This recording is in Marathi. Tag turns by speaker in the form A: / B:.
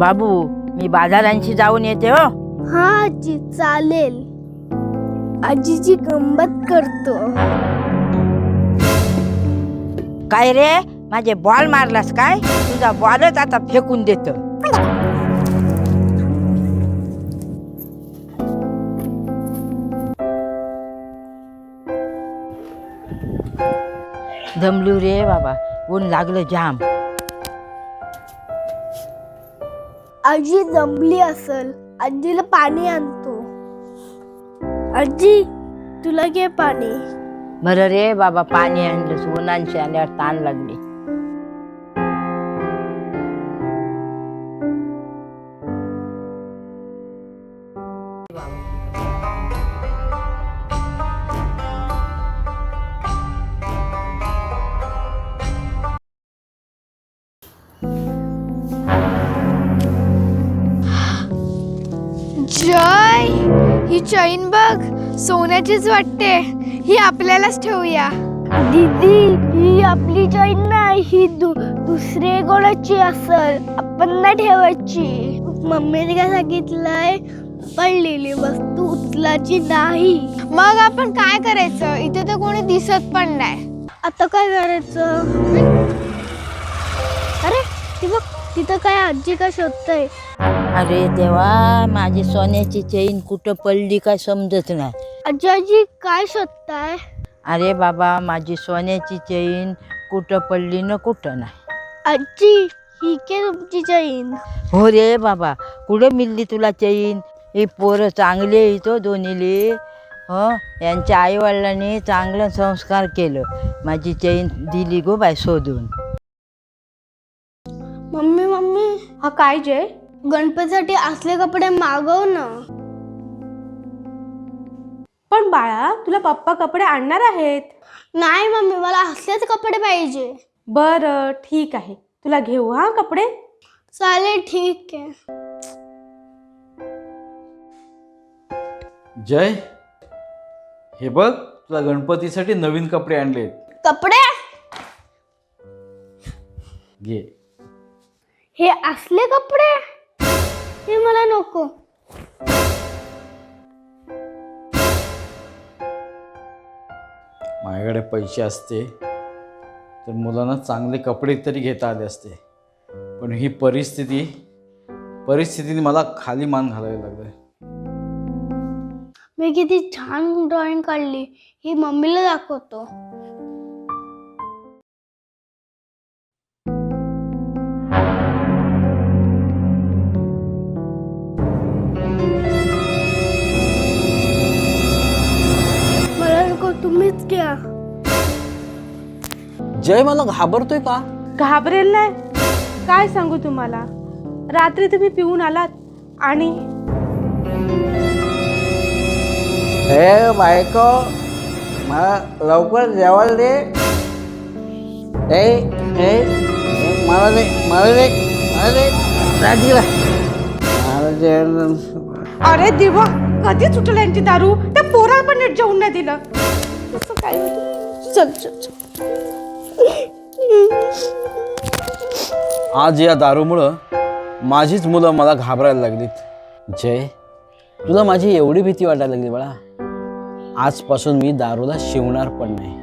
A: बाबू मी बाजारांशी जाऊन येते हो.
B: हा आजी चालेल. आजीची गंमत करतो.
A: काय रे माझे बॉल मारलास काय? तुझा बॉलच आता फेकून देतो. दमलू रे बाबा, ऊन लागलं जाम.
B: आजी जमली असल. आजीला पाणी आणतो. आजी तुला घे पाणी.
A: बरं रे बाबा, पाणी आणलं. उन्हांशी आल्यावर ताण लागली.
B: जय, ही चैन बघ, सोन्याचीच वाटते. ही आपल्यालाच ठेवूया. दीदी, ही आपली चैन नाही, ही दुसरे कोणाची असल. आपण नाही ठेवायची. मम्मीने काय सांगितलंय, पडलेली वस्तू उचलायची नाही. मग आपण काय करायचं? इथे तर कोणी दिसत पण नाही. आता काय करायचं? अरे ती बघ, तिथं काय आजी काय शोधतय.
A: अरे देवा, माझी सोन्याची चेन कुठं पडली काय समजत नाही.
B: आजी आजी काय शोधताय?
A: अरे बाबा, माझी सोन्याची चेन कुठं पडली न कुठं नाही.
B: आजी ही के तुमची चैन?
A: हो रे बाबा, कुठं मिळली तुला चैन? ही पोरं चांगली येतो दोन्हीले. यांच्या आईवडिलांनी चांगलं संस्कार केलं. माझी चैन दिली गो बाय शोधून.
B: मम्मी मम्मी,
C: हा काय जय?
B: गणपतीसाठी असले कपडे मागव ना.
C: पण बाळा, तुला पप्पा कपडे आणणार आहेत.
B: नाही मम्मी, मला असलेच कपडे पाहिजे.
C: बरं ठीक आहे, तुला घेऊ हा कपडे.
B: चालेल, ठीक आहे.
D: जय, हे बघ, तुला गणपतीसाठी नवीन कपडे आणलेत.
B: कपडे?
D: घे.
B: हे असले कपडे? हे मला नको.
D: माझ्याकडे पैसे असते तर मुलांना चांगले कपडे तरी घेता आले असते, पण ही परिस्थितीने मला खाली मान घालायला लागलं.
B: मी किती छान ड्रॉइंग काढली, ही मम्मीला दाखवतो. मला नको, तुम्हीच घ्या.
D: जय, मला घाबरतोय का?
C: घाबरेल नाही. काय सांगू तुम्हाला, रात्री तुम्ही पिऊन आलात आणि
E: हे बायको, मला लवकर जेवायला दे. मला दे, मला दे, मला दे. राजीला मला जेवण.
C: अरे देवा, कधी सुटलं यांची दारू. त्या पोराला पण नीट जेवून नाही दिलं. असं काय होतं? चल चल चल.
D: आज या दारूमुळं माझीच मुलं मला घाबरायला लागलीत. जय, तुला माझी एवढी भीती वाटायला लागली बाळा. आजपासून मी दारूला शिवणार पण नाही.